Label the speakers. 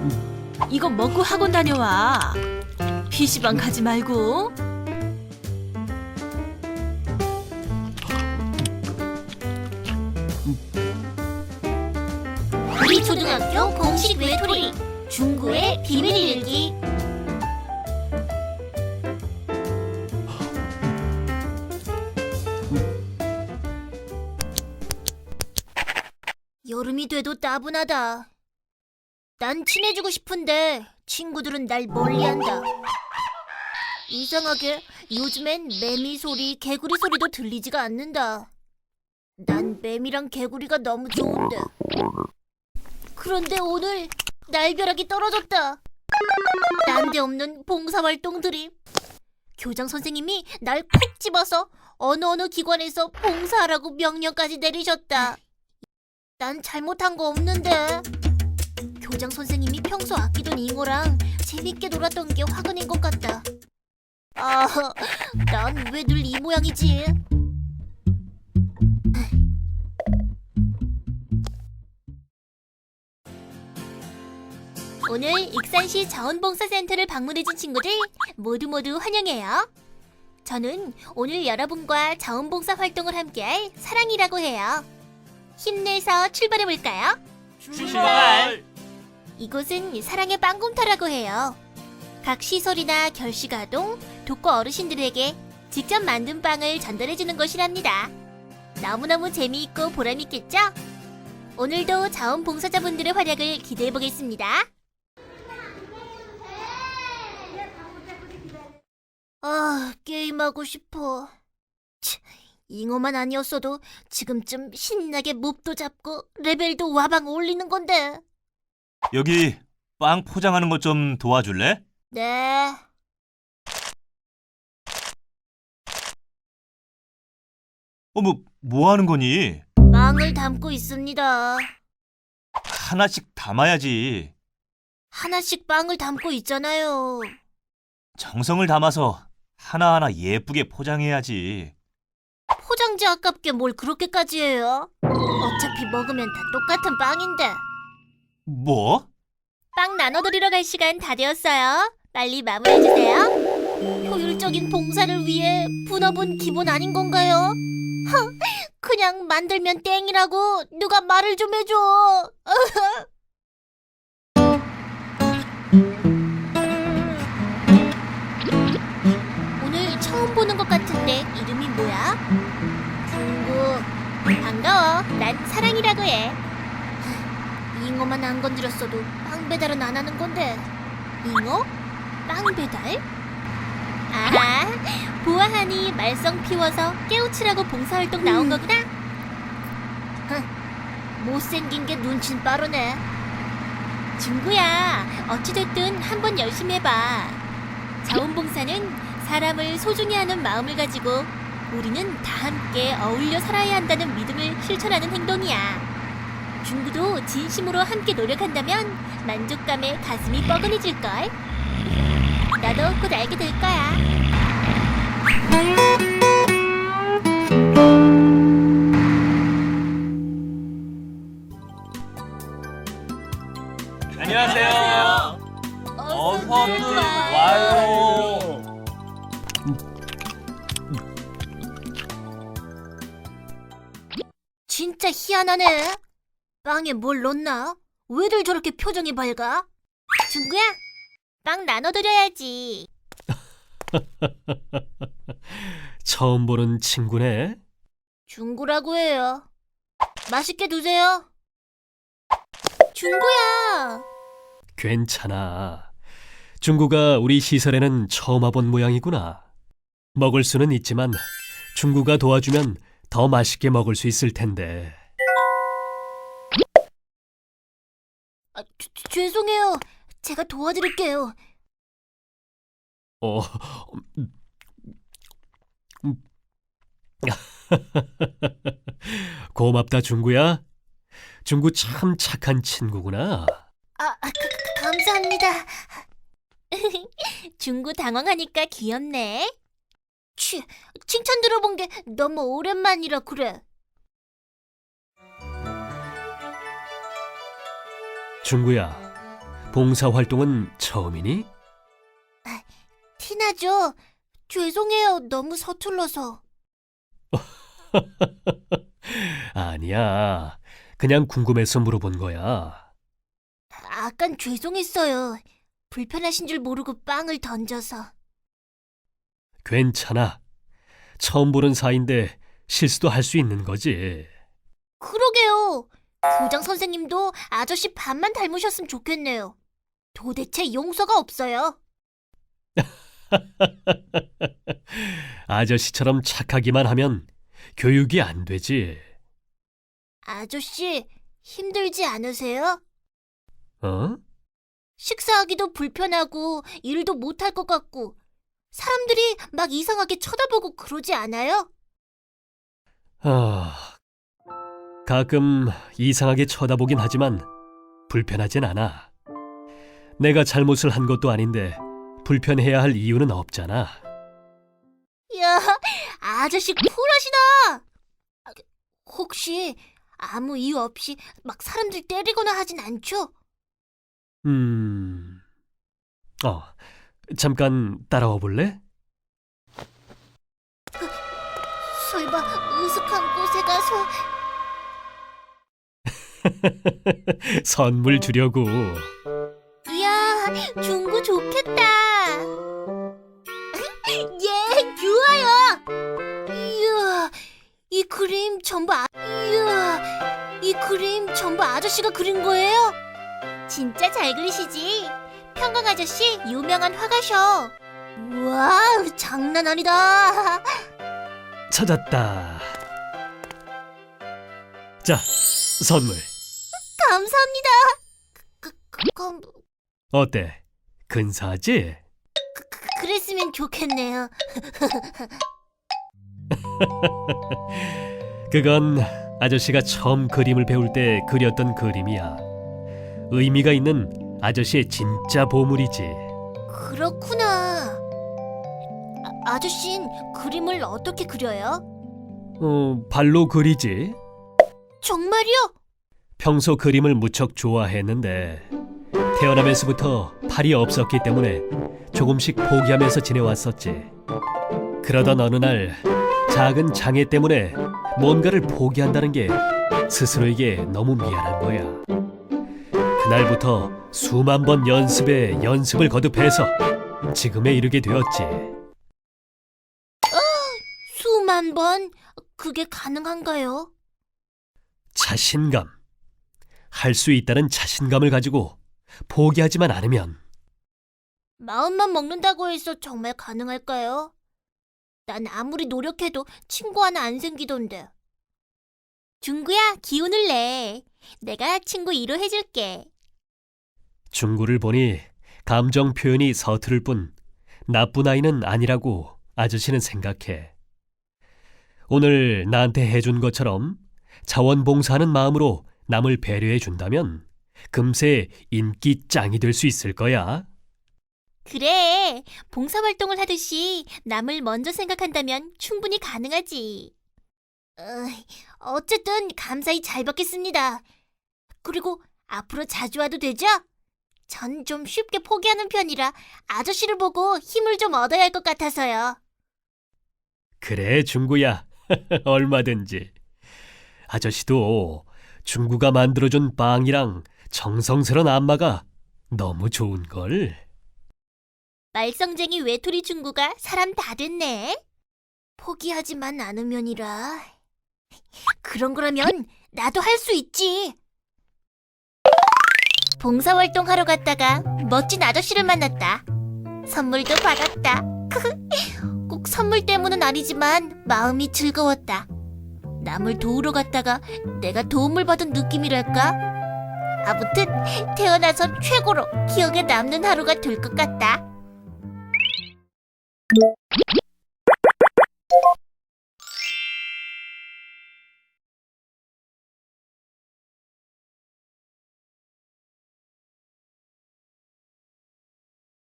Speaker 1: 이거 먹고 학원 다녀와. PC방 가지 말고.
Speaker 2: 우리 초등학교 공식 외톨이 중구의 비밀 일기. 여름이 돼도 따분하다. 난 친해지고 싶은데 친구들은 날 멀리한다. 이상하게 요즘엔 매미 소리, 개구리 소리도 들리지가 않는다. 난 매미랑 개구리가 너무 좋은데. 그런데 오늘 날벼락이 떨어졌다. 난데없는 봉사활동들이. 교장 선생님이 날 콕 집어서 어느 기관에서 봉사하라고 명령까지 내리셨다. 난 잘못한 거 없는데. 교장 선생님이 평소 아끼던 잉어랑 재밌게 놀았던 게 화가 낸 것 같다. 아, 난 왜 늘 이 모양이지? 오늘 익산시 자원봉사센터를 방문해준 친구들 모두 환영해요. 저는 오늘 여러분과 자원봉사 활동을 함께할 사랑이라고 해요. 힘내서 출발해볼까요?
Speaker 3: 출발!
Speaker 2: 이곳은 사랑의 빵곰터라고 해요. 각 시설이나 결식아동, 독거 어르신들에게 직접 만든 빵을 전달해주는 곳이랍니다. 너무너무 재미있고 보람있겠죠? 오늘도 자원봉사자분들의 활약을 기대해보겠습니다. 아, 게임하고 싶어. 잉어만 아니었어도 지금쯤 신나게 몹도 잡고 레벨도 와방 올리는 건데.
Speaker 3: 여기 빵 포장하는 것 좀 도와줄래?
Speaker 2: 네.
Speaker 3: 뭐 하는 거니?
Speaker 2: 빵을 담고 있습니다.
Speaker 3: 하나씩 담아야지.
Speaker 2: 하나씩 빵을 담고 있잖아요.
Speaker 3: 정성을 담아서 하나하나 예쁘게 포장해야지.
Speaker 2: 포장지 아깝게 뭘 그렇게까지 해요? 어차피 먹으면 다 똑같은 빵인데.
Speaker 3: 뭐?
Speaker 2: 빵 나눠드리러 갈 시간 다 되었어요. 빨리 마무리해주세요. 효율적인 봉사를 위해 분업은 기본 아닌 건가요? 그냥 만들면 땡이라고 누가 말을 좀 해줘. 오늘 처음 보는 것 같은데 이름이 뭐야? 중구. 반가워. 난 사랑이라고 해. 잉어만 안 건드렸어도 빵 배달은 안 하는 건데. 잉어? 빵 배달? 아하, 보아하니 말썽 피워서 깨우치라고 봉사활동 나온 거구나? 못생긴 게 눈친 빠르네. 중구야, 어찌됐든 한번 열심히 해봐. 자원봉사는 사람을 소중히 하는 마음을 가지고 우리는 다 함께 어울려 살아야 한다는 믿음을 실천하는 행동이야. 중구도 진심으로 함께 노력한다면 만족감에 가슴이 뻐근해질걸. 나도 곧 알게 될 거야.
Speaker 3: 안녕하세요. 어서들 와요.
Speaker 2: 진짜 희한하네. 빵에 뭘 넣나? 왜들 저렇게 표정이 밝아? 중구야, 빵 나눠드려야지.
Speaker 4: 처음 보는 친구네.
Speaker 2: 중구라고 해요. 맛있게 드세요. 중구야.
Speaker 4: 괜찮아. 중구가 우리 시설에는 처음 와본 모양이구나. 먹을 수는 있지만 중구가 도와주면 더 맛있게 먹을 수 있을 텐데.
Speaker 2: 죄송해요. 제가 도와드릴게요.
Speaker 4: 어, 고맙다, 중구야. 중구 참 착한 친구구나.
Speaker 2: 감사합니다. 중구 당황하니까 귀엽네. 칭찬 들어본 게 너무 오랜만이라 그래.
Speaker 4: 중구야, 봉사활동은 처음이니?
Speaker 2: 티나죠? 죄송해요. 너무 서툴러서.
Speaker 4: 아니야. 그냥 궁금해서 물어본 거야.
Speaker 2: 아깐 죄송했어요. 불편하신 줄 모르고 빵을 던져서.
Speaker 4: 괜찮아. 처음 보는 사이인데 실수도 할 수 있는 거지.
Speaker 2: 그러게요. 교장 선생님도 아저씨 반만 닮으셨으면 좋겠네요. 도대체 용서가 없어요.
Speaker 4: 아저씨처럼 착하기만 하면 교육이 안 되지.
Speaker 2: 아저씨, 힘들지 않으세요?
Speaker 4: 어?
Speaker 2: 식사하기도 불편하고 일도 못할 것 같고 사람들이 막 이상하게 쳐다보고 그러지 않아요?
Speaker 4: 가끔 이상하게 쳐다보긴 하지만 불편하진 않아. 내가 잘못을 한 것도 아닌데 불편해야 할 이유는 없잖아.
Speaker 2: 이야, 아저씨 쿨하시다. 혹시 아무 이유 없이 막 사람들 때리거나 하진 않죠?
Speaker 4: 잠깐 따라와 볼래?
Speaker 2: 설마 으슥한 곳에 가서...
Speaker 4: 선물 주려고.
Speaker 2: 이야, 중구 좋겠다. 예, 좋아요. 이야, 이 그림 전부 아저씨가 그린 거예요? 진짜 잘 그리시지. 평강 아저씨 유명한 화가셔. 우와, 장난 아니다.
Speaker 4: 찾았다. 자, 선물.
Speaker 2: 감사합니다. 그럼
Speaker 4: 어때? 근사하지?
Speaker 2: 그랬으면 좋겠네요.
Speaker 4: 그건 아저씨가 처음 그림을 배울 때 그렸던 그림이야. 의미가 있는 아저씨의 진짜 보물이지.
Speaker 2: 그렇구나. 아저씨는 그림을 어떻게 그려요?
Speaker 4: 발로 그리지.
Speaker 2: 정말요?
Speaker 4: 평소 그림을 무척 좋아했는데 태어나면서부터 팔이 없었기 때문에 조금씩 포기하면서 지내왔었지. 그러던 어느 날 작은 장애 때문에 뭔가를 포기한다는 게 스스로에게 너무 미안한 거야. 그날부터 수만 번 연습에 연습을 거듭해서 지금에 이르게 되었지.
Speaker 2: 수만 번? 그게 가능한가요?
Speaker 4: 자신감. 할 수 있다는 자신감을 가지고 포기하지만 않으면.
Speaker 2: 마음만 먹는다고 해서 정말 가능할까요? 난 아무리 노력해도 친구 하나 안 생기던데. 중구야, 기운을 내. 내가 친구 1호 해줄게.
Speaker 4: 중구를 보니 감정 표현이 서투를 뿐 나쁜 아이는 아니라고 아저씨는 생각해. 오늘 나한테 해준 것처럼 자원봉사하는 마음으로 남을 배려해 준다면 금세 인기 짱이 될 수 있을 거야.
Speaker 2: 그래, 봉사활동을 하듯이 남을 먼저 생각한다면 충분히 가능하지. 어쨌든 감사히 잘 받겠습니다. 그리고 앞으로 자주 와도 되죠? 전 좀 쉽게 포기하는 편이라 아저씨를 보고 힘을 좀 얻어야 할 것 같아서요.
Speaker 4: 그래, 중구야. 얼마든지. 아저씨도 중구가 만들어준 빵이랑 정성스런 안마가 너무 좋은걸.
Speaker 2: 말썽쟁이 외톨이 중구가 사람 다 됐네. 포기하지만 않으면이라. 그런 거라면 나도 할 수 있지. 봉사활동 하러 갔다가 멋진 아저씨를 만났다. 선물도 받았다. 꼭 선물 때문은 아니지만 마음이 즐거웠다. 남을 도우러 갔다가 내가 도움을 받은 느낌이랄까? 아무튼 태어나서 최고로 기억에 남는 하루가 될 것 같다.